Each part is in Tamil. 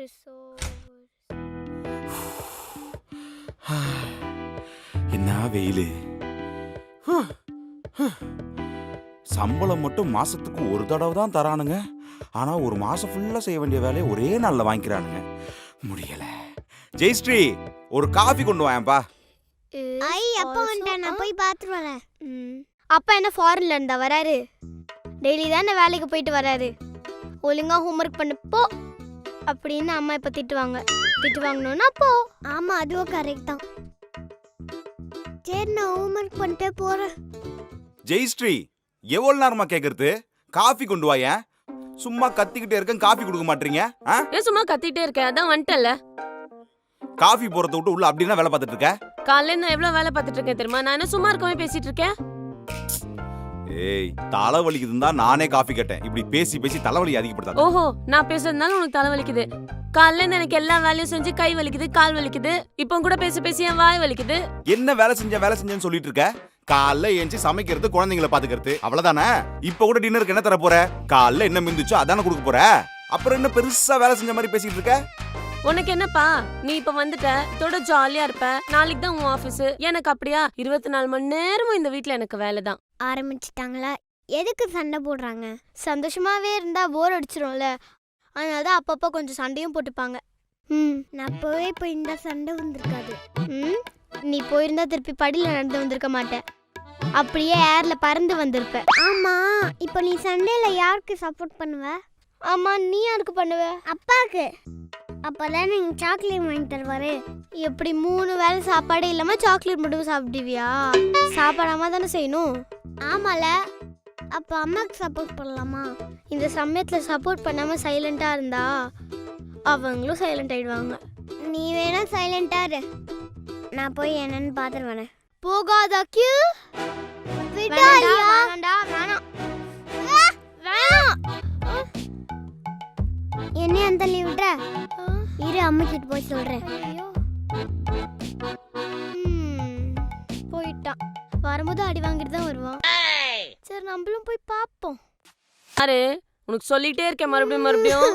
என்ன வெயிலு. சம்பளம் மட்டும் மாசத்துக்கு ஒரு தடவை தான் தரானுங்க. ஆனா ஒரு மாசம் ஃபுல்லா செய்ய வேண்டிய வேலையை ஒரே நாள்ல வாங்கிக்கிறானுங்க. முடியல. ஜெயஸ்ரீ, ஒரு காஃபி கொண்டு வாயேன்பா. ஐ அப்பா வந்துட்டேன், நான் போய் பார்த்துட்டு வரேன். அப்பா என்ன ஃபாரின்ல இருந்தா வராரு? டெய்லி தானே வேலைக்கு போயிட்டு வராரு. ஒழுங்கா ஹோம்ஒர்க் பண்ணு போ அப்படின்னு அம்மா இப்ப திட்டுவாங்க. திட்டு வாங்கணும்னா போ. ஆமா, அதுவும் கரெக்ட் தான். சரி, நான் ஹோம்ஒர்க் பண்ணிட்டே போறேன். ஜெயஸ்ரீ, எவ்வளவு நேரமா கேக்குறது? காஃபி கொண்டு வாயேன். சும்மா கத்திக்கிட்டே இருக்கேன், காஃபி கொடுக்க மாட்டீங்க. ஏன் சும்மா கத்திட்டே இருக்கேன்? அதான் வந்துட்டல. காஃபி போறத விட்டு உள்ள அப்படின்னா வேலை பார்த்துட்டு இருக்க? காலையில நான் எவ்வளவு வேலை பார்த்துட்டு இருக்கேன் தெரியுமா? நான் என்ன சும்மா இருக்கவே பேசிட்டு இருக்கேன்? ஏய், தலை வலிக்குதுன்னு தான் நானே காஃபி கேட்டேன். இப்படி பேசி பேசி தலைவலி அதிகப்படுத்தாத. ஓஹோ, நான் பேசுறதுனால உனக்கு தலை வலிக்குது. காலையில எனக்கு எல்லா வேலையும் செஞ்சு கை வலிக்குது, கால் வலிக்குது. இப்போ கூட பேசி பேசி என் வாய் வலிக்குது. என்ன வேலை செஞ்சேன்னு சொல்லிட்டு இருக்க? காலைல ஏஞ்சி சமைக்கிறது, குழந்தைங்களை பாத்துக்கிறது, அவ்வளவுதானே? இப்ப கூட டின்னருக்கு என்ன தர போற? காலைல என்ன மிந்துச்சோ அதானே கொடுக்க போற. அப்புறம் என்ன பெருசா வேலை செஞ்ச மாதிரி பேசிட்டு இருக்க? உனக்கு என்னப்பா, நீ இப்ப வந்துட்ட, இதோட ஜாலியா இருப்ப. நாளைக்கு தான் உன் ஆபீஸ். எனக்கு அப்படியா? 24 மணி நேரமும் இந்த வீட்ல எனக்கு வேலை தான். ஆரம்பிச்சிட்டாங்களா? எதுக்கு சண்டை போடுறாங்க? சந்தோஷமாவே இருந்தா போர் அடிச்சிரும்ல. அதனாலதான் அப்பப்போ கொஞ்சம் சண்டையும் போட்டுப்பாங்க. நான் போய் இப்போ இந்த சண்டை வந்திருக்காது. நீ போயிருந்தா திருப்பி படியில நடந்து வந்திருக்க மாட்டேன். அப்படியே ஏர்ல பறந்து வந்திருப்ப. ஆமா, இப்போ நீ சண்டேல யாருக்கு சப்போர்ட் பண்ணுவ? ஆமா, நீ யாருக்கு பண்ணுவ? அப்பாக்கு. அப்பதான் நீங்க சாக்லேட் வாங்கி தருவாரு. எப்படி 3 வேளை சாப்பாடே இல்லாம சாக்லேட் மட்டும் சாப்பிடுவியா? சாப்பிடாம தானே செய்யணும். ஆமால, அப்ப அம்மாக்கு சப்போர்ட் பண்ணலாமா? இந்த சமயத்துல சப்போர்ட் பண்ணாம சைலண்டா இருந்தா அவங்களும் சைலண்ட் ஆயிடுவாங்க. நீ வேணா சைலண்டா இரு, நான் போய் என்னன்னு பாத்துட்டு வரேன். போகாத கியூ. என்ன அந்த லீவ் விட்ற? இரு, அம்மா கிட்ட போய் சொல்றேன். போயிட்டான். வரும்போது அடி வாங்கிட்டு தான் வருவான். சரி, நம்மளும் போய் பாப்போம். அரே, உனக்கு சொல்லிட்டே இருக்கேன் மறுபடியும்.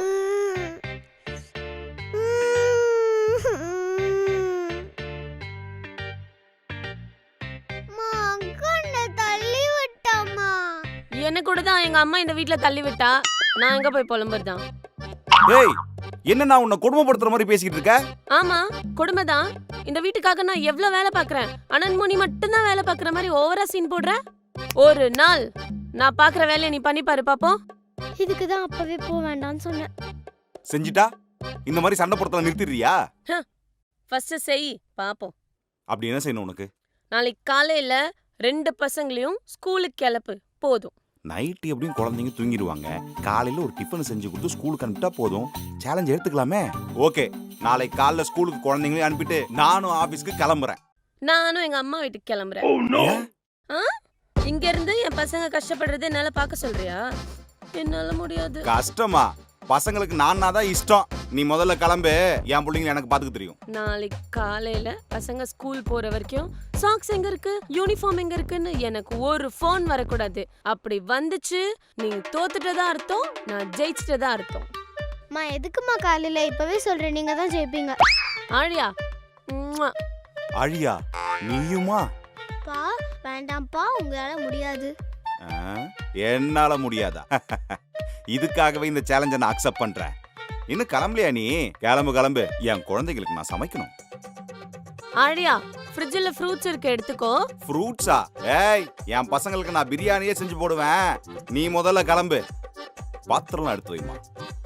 என்ன கூட தான் எங்க அம்மா இந்த வீட்ல தள்ளி விட்டா. நான் எங்க போய் புலம்புறதான்? ஏய், என்ன நான் உன்னை கொடுமைப்படுத்துற மாதிரி பேசிக்கிட்டு இருக்க? ஆமா, கொடுமை தான். இந்த வீட்டுக்காக நான் எவ்வளவு வேலை பாக்குறேன். அனன்முனி மட்டும் தான் வேலை பாக்குற மாதிரி ஓவரா சீன் போடுற. ஒரு நாள் நான் பாக்குற வேலையை நீ பண்ணி பாரு பாப்போம். இதுக்கு தான் அப்பவே போக வேண்டாம்னு சொன்னேன். செஞ்சிட்டா இந்த மாதிரி சண்டை போடுறத நிறுத்திடுறியா? ஃபர்ஸ்ட் செய் பாப்போம். அப்படி என்ன செய்யணும் உனக்கு? நாளைக்கு காலையில 2 பசங்களையும் ஸ்கூலுக்கு கிளப்பு. போதும். நைட்டு எப்படியும் குழந்தைங்க தூங்கிடுவாங்க. காலையில ஒரு டிஃபன் செஞ்சு கொடுத்து ஸ்கூலுக்கு அனுப்பிட்டா போதும். சேலஞ்ச் எடுத்துக்கலாமே. ஓகே, நாளைக்கு காலைல ஸ்கூலுக்கு குழந்தைங்களையும் அனுப்பிட்டு நானும் ஆபீஸ்க்கு கிளம்புறேன். நானும் எங்க அம்மா வீட்டுக்கு கிளம்புறேன். இங்க இருந்து என் பசங்க கஷ்டப்படுறது என்னால பார்க்க சொல்றியா? என்னால முடியாது. கஷ்டமா? பசங்களுக்கு நான் தான் இஷ்டம். நீ முதல்ல கிளம்பு, என் பிள்ளைங்க எனக்கு பாத்துக்க தெரியும். நாளைக்கு காலையில பசங்க ஸ்கூல் போற வரைக்கும் சாக்ஸ் எங்க இருக்கு, யூனிஃபார்ம் எங்க இருக்குன்னு எனக்கு ஒரு ஃபோன் வரக்கூடாது. அப்படி வந்துச்சு நீ தோத்துட்டதா அர்த்தம், நான் ஜெயிச்சிட்டதா அர்த்தம். மா, எதுக்குமா காலையில? இப்பவே சொல்றேன், நீங்க தான் ஜெயிப்பீங்க. ஆழியா? ஆழியா, நீயுமா? பா, வேண்டாம்ப்பா, உங்களால முடியாது. என்னால முடியாதா? இதுக்காகவே இந்த சேலஞ்சை நான் அக்செப்ட் பண்றேன். இன்னும் கிளம்பலையா நீ? கிளம்பு. என் குழந்தைகளுக்கு நான் சமைக்கணும். ஆழியா, ஃப்ரிட்ஜ்ல ஃப்ரூட்ஸ் இருக்கு, எடுத்துக்கோ. ஃப்ரூட்ஸா? ஏய், என் பசங்களுக்கு நான் பிரியாணியே செஞ்சு போடுவேன். நீ முதல்ல கிளம்பு. பாத்திரம்லாம் எடுத்து வைமா.